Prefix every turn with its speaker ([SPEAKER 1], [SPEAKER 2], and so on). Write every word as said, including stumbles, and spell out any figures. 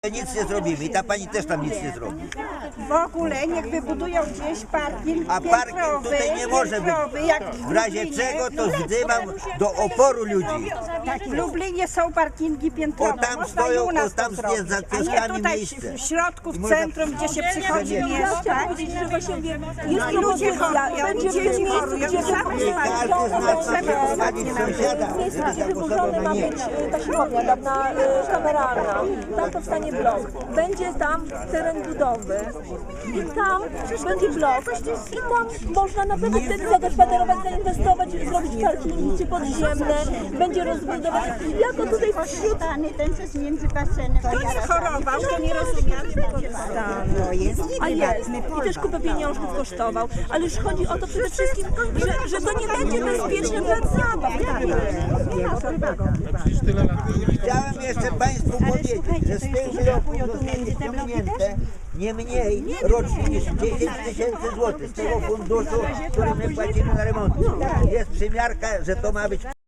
[SPEAKER 1] Nic nie zrobimy i ta pani też tam nic nie zrobi.
[SPEAKER 2] W ogóle niech wybudują gdzieś parking
[SPEAKER 1] A parking
[SPEAKER 2] piętrowy,
[SPEAKER 1] tutaj nie może być.
[SPEAKER 2] piętrowy, jak
[SPEAKER 1] W razie
[SPEAKER 2] Lublinie.
[SPEAKER 1] czego to zdymam do oporu ludzi.
[SPEAKER 2] Tak, w Lublinie są parkingi piętrowe.
[SPEAKER 1] O, tam
[SPEAKER 2] Można
[SPEAKER 1] stoją,
[SPEAKER 2] i u nas
[SPEAKER 1] o, tam
[SPEAKER 2] to zrobić.
[SPEAKER 1] jest za
[SPEAKER 2] A nie
[SPEAKER 1] kioskami
[SPEAKER 2] tutaj
[SPEAKER 1] miejsce.
[SPEAKER 2] w środku, w
[SPEAKER 1] można-
[SPEAKER 2] centrum, gdzie się przychodzi
[SPEAKER 1] Ja
[SPEAKER 2] mieszkać.
[SPEAKER 3] powiedzieć, że właśnie wie,
[SPEAKER 2] No
[SPEAKER 3] jest
[SPEAKER 2] i ludzie
[SPEAKER 3] propozycja,
[SPEAKER 2] chorują,
[SPEAKER 3] będzie
[SPEAKER 2] ludzie
[SPEAKER 3] w tym miejscu,
[SPEAKER 2] chorują,
[SPEAKER 3] gdzie
[SPEAKER 2] same
[SPEAKER 1] Nie każdy z nas chce prowadzić sąsiada,
[SPEAKER 3] miejscu,
[SPEAKER 1] żeby
[SPEAKER 3] gdzie
[SPEAKER 1] zagłosował
[SPEAKER 3] wyburzony
[SPEAKER 1] na
[SPEAKER 3] ma
[SPEAKER 1] nie.
[SPEAKER 3] być e, ta siłownia dawna e, kameralna. Tam powstanie blok. Będzie tam teren budowy. I tam będzie blok. I tam można naprawdę wtedy zagospodarować, zainwestować, zrobić parkingi czy podziemne. Będzie rozbudować. Jako tutaj wśród...
[SPEAKER 4] Ten przez między basenem.
[SPEAKER 2] Kto nie chorował, to nie rozumiał, że
[SPEAKER 4] To jest
[SPEAKER 3] A jest. I też kupę pieniążków kosztował. Ale już chodzi o to przede wszystkim, że, że to nie będzie bezpieczne dla zabaw.
[SPEAKER 1] Chciałem jeszcze Państwu powiedzieć, że z tych bloków zostanie ściągnięte nie mniej rocznie niż dziesięć tysięcy złotych z tego funduszu, który my płacimy na remont. Jest przymiarka, że to ma być